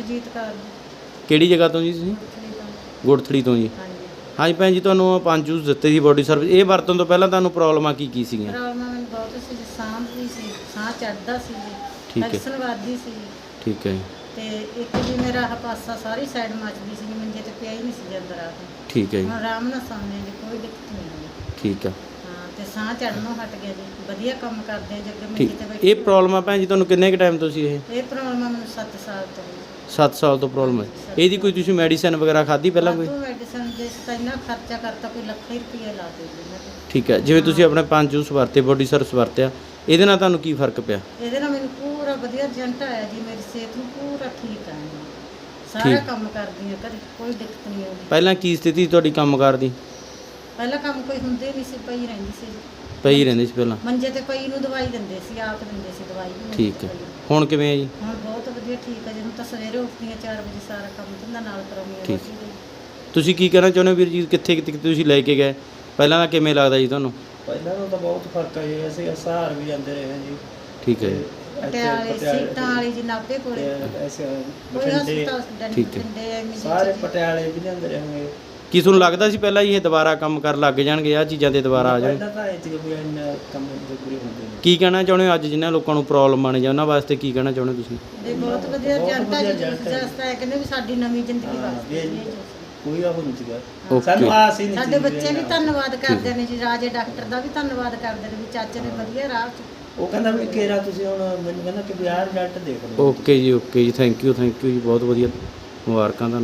ਬਲਜੀਤ ਕੌਰ ਕਿਹੜੀ ਜਗ੍ਹਾ ਤੋਂ ਜੀ ਤੁਸੀਂ? ਗੁੜਥੜੀ ਤੋਂ ਜੀ। ਹਾਂਜੀ। ਹਾਂਜੀ ਭੈਣ ਜੀ, ਤੁਹਾਨੂੰ 5 ਜੂਸ ਦਿੱਤੇ ਸੀ ਬੋਡੀ ਸਰਵਿਸ, ਇਹ ਵਰਤਣ ਤੋਂ ਪਹਿਲਾਂ ਤੁਹਾਨੂੰ ਪ੍ਰੋਬਲਮਾਂ ਕੀ ਸੀਗੀਆਂ? ਪ੍ਰੋਬਲਮ ਮੈਨੂੰ ਬਹੁਤ ਸੀ ਜੀ, ਸਾਹ ਵੀ ਸੀ, ਸਾਹ ਚੜ੍ਹਦਾ ਸੀ ਜੀ, ਠੀਕ ਹੈ। ਟੈਕਸਨ ਵੱਧਦੀ ਸੀ ਠੀਕ ਹੈ ਜੀ। ਤੇ ਇੱਕ ਜੀ ਮੇਰਾ ਆਹ ਪਾਸਾ ਸਾਰੀ ਸਾਈਡ ਮੱਚਦੀ ਸੀ, ਮੰਜੇ ਤੇ ਪਿਆ ਹੀ ਨਹੀਂ ਸੀ ਜਾਂਦਾ ਰਾਤ ਨੂੰ। ਠੀਕ ਹੈ ਜੀ। ਹੁਣ ਆਰਾਮ ਨਾਲ ਸੌਂਦੇ ਹਾਂ ਜੀ, ਕੋਈ ਦਿੱਕਤ ਨਹੀਂ ਆਉਂਦੀ। ਠੀਕ ਆ। ਹਾਂ, ਤੇ ਸਾਹ ਚੜ੍ਹਨੋਂ ਹਟ ਗਿਆ ਜੀ, ਵਧੀਆ ਕੰਮ ਕਰਦੇ ਹਾਂ ਜੀ। ਅੱਗੇ ਠੀਕ। ਮੰਜੇ ਤੇ ਬੈਠੇ ਇਹ ਪ੍ਰੋਬਲਮ ਆ ਭੈਣ ਜੀ ਤੁਹਾਨੂੰ ਕਿੰਨੇ ਕੁ ਟਾਈਮ ਤੋਂ ਸੀ? ਇਹ ਪ੍ਰੋਬਲਮ ਆ ਮੈਨੂੰ 7 ਸਾਲ ਤੋਂ ਜੀ। 7 ਸਾਲ ਤੋਂ ਪ੍ਰੋਬਲਮ ਹੈ। ਇਹਦੀ ਕੋਈ ਤੁਸੀਂ ਮੈਡੀਸਿਨ ਵਗੈਰਾ ਖਾਧੀ ਪਹਿਲਾਂ ਕੋਈ? ਮੈਡੀਸਨ ਦੇ ਤਾਂ ਇੰਨਾ ਖਰਚਾ ਕਰਤਾ, ਕੋਈ ਲੱਖ ਹੀ ਰੁਪਏ ਲਾ ਦੇ ਜੀ ਮੈਂ ਤਾਂ। ਠੀਕ ਹੈ। ਜਿਵੇਂ ਤੁਸੀਂ ਆਪਣੇ 5 ਜੂਸ ਵਰਤੇ, ਬੋਡੀ ਸਰਵਿਸ ਵਰਤਿਆ, ਇਹਦੇ ਨਾਲ ਤੁਹਾਨੂੰ ਕੀ ਫਰਕ ਪਿਆ? ਇਹਦੇ ਨਾਲ ਮੈਨੂੰ ਪੂਰਾ ਵਧੀਆ ਰਿਜ਼ਲਟ ਆਇਆ ਜੀ, ਮੇਰੀ ਸਿਹਤ ਨੂੰ ਪੂਰਾ ਠੀਕ ਆ ਜੀ। ਸਾਰਾ ਠੀਕ। ਕੰਮ ਕਰਦੀ ਹਾਂ ਘਰੇ, ਕੋਈ ਦਿੱਕਤ ਨਹੀਂ ਆਉਂਦੀ। ਪਹਿਲਾਂ ਕੀ ਸਥਿਤੀ ਤੁਹਾਡੀ ਕੰਮਕਾਰ ਦੀ? ਪਹਿਲਾਂ ਕੰਮ ਕੋਈ ਹੁੰਦੇ ਨਹੀਂ ਸੀ, ਪਈ ਰਹਿੰਦੀ ਸੀ। ਪਈ ਰਹਿੰਦੀ ਸੀ ਪਹਿਲਾਂ? ਮੰਜੇ ਤੇ ਪਈ ਨੂੰ ਦਵਾਈ ਦਿੰਦੇ ਸੀ, ਆਪ ਦਿੰਦੇ ਸੀ ਦਵਾਈ ਵੀ। ਠੀਕ ਹੈ। ਹੁਣ ਕਿਵੇਂ ਹੈ ਜੀ? ਹੁਣ ਬਹੁਤ ਵਧੀਆ ਠੀਕ ਹੈ ਜੀ। ਹੁਣ ਤਾਂ ਸਵੇਰੇ ਉੱਠਦੀ ਹਾਂ 4 ਵਜੇ, ਸਾਰਾ ਕੰਮ ਧੰਦਾ ਨਾਲ ਕਰਾਉਂਦੀ ਹਾਂ। ਠੀਕ। ਰੋਟੀ ਦਾ। ਤੁਸੀਂ ਕੀ ਕਹਿਣਾ ਚਾਹੁੰਦੇ ਹੋ ਵੀਰ ਜੀ, ਕਿੱਥੇ ਕਿੱਥੇ ਤੁਸੀਂ ਲੈ ਕੇ ਗਏ? ਪਹਿਲਾਂ ਦਾ ਕਿਵੇਂ ਲੱਗਦਾ ਜੀ ਤੁਹਾਨੂੰ? ਪਹਿਲਾਂ ਨਾਲੋਂ ਤਾਂ ਬਹੁਤ ਫਰਕ ਹੈ ਜੀ, ਅਸੀਂ ਸਹਾਰ ਵੀ ਜਾਂਦੇ ਰਹੇ ਹਾਂ ਜੀ। ਠੀਕ ਹੈ ਜੀ। ਪਟਿਆਲੇ ਸੀਟਾਂ ਵਾਲੀ ਜੀ, ਨਾਭੇ ਕੋਲੇ ਐਸੇ ਕੋਈ ਬਠਿੰਡੇ, ਹਸਪਤਾਲ ਠੀਕ ਹੈ। ਡੰਡੇ ਸਾਰੇ ਪਟਿਆਲੇ ਵੀ ਜਾਂਦੇ ਰਹੇ। ਕੀ ਤੁਹਾਨੂੰ ਲੱਗਦਾ ਸੀ ਪਹਿਲਾਂ ਇਹ ਦੁਬਾਰਾ ਕੰਮ ਕਰਨ ਲੱਗ ਜਾਣਗੇ, ਆਹ ਚੀਜ਼ਾਂ ਤੇ ਦੁਬਾਰਾ ਆ ਜਾਣ? ਪਹਿਲਾਂ ਤਾਂ ਇਹ ਸੀ ਵੀ ਇੰਨਾ ਕੰਮ ਦੇ ਪੂਰੇ ਹੁੰਦੇ ਨੇ। ਕੀ ਕਹਿਣਾ ਚਾਹੁੰਦੇ ਹੋ ਅੱਜ ਜਿਨ੍ਹਾਂ ਲੋਕਾਂ ਨੂੰ ਪ੍ਰੋਬਲਮ ਆਣੇ ਜਾਂ ਉਹਨਾਂ ਵਾਸਤੇ ਕੀ ਕਹਿਣਾ ਚਾਹੁੰਦੇ ਹੋ ਤੁਸੀਂ? ਇਹ ਬਹੁਤ ਵਧੀਆ ਜਨਤਾ ਜੀ, ਜਸਤਾ ਹੈ ਕਹਿੰਦੇ ਵੀ ਸਾਡੀ ਨਵੀਂ ਜ਼ਿੰਦਗੀ ਹਾਂ, ਵਾਸਤੇ ਇਹ ਜੀ। ਕੋਈ ਉਹ ਨਹੀਂ ਸੀਗਾ। ਓਕੇ। ਸਾਨੂੰ ਆਸ ਹੀ ਨਹੀਂ ਸੀ ਸਾਡੇ ਵੀ ਬੱਚੇ ਵੀ ਇੰਨਾ। ਧੰਨਵਾਦ ਕਰਦੇ ਨੇ ਜੀ, ਰਾਜੇ ਡਾਕਟਰ ਦਾ ਵੀ ਧੰਨਵਾਦ ਕਰਦੇ ਨੇ ਵੀ ਚਾਚੇ ਨੇ ਵਧੀਆ ਰਾਹ 'ਚ। ਉਹ ਕਹਿੰਦਾ ਵੀ ਕਿਹੜਾ ਤੁਸੀਂ ਹੁਣ ਮੈਨੂੰ ਕਹਿੰਦਾ ਕਿ ਵੀ ਆਹ ਰਿਜ਼ਲਟ ਦੇਖ ਲਓ। ਓਕੇ ਜੀ, ਓਕੇ ਜੀ, ਥੈਂਕ ਯੂ ਜੀ, ਬਹੁਤ ਵਧੀਆ, ਮੁਬਾਰਕਾਂ ਤੁਹਾਨੂੰ।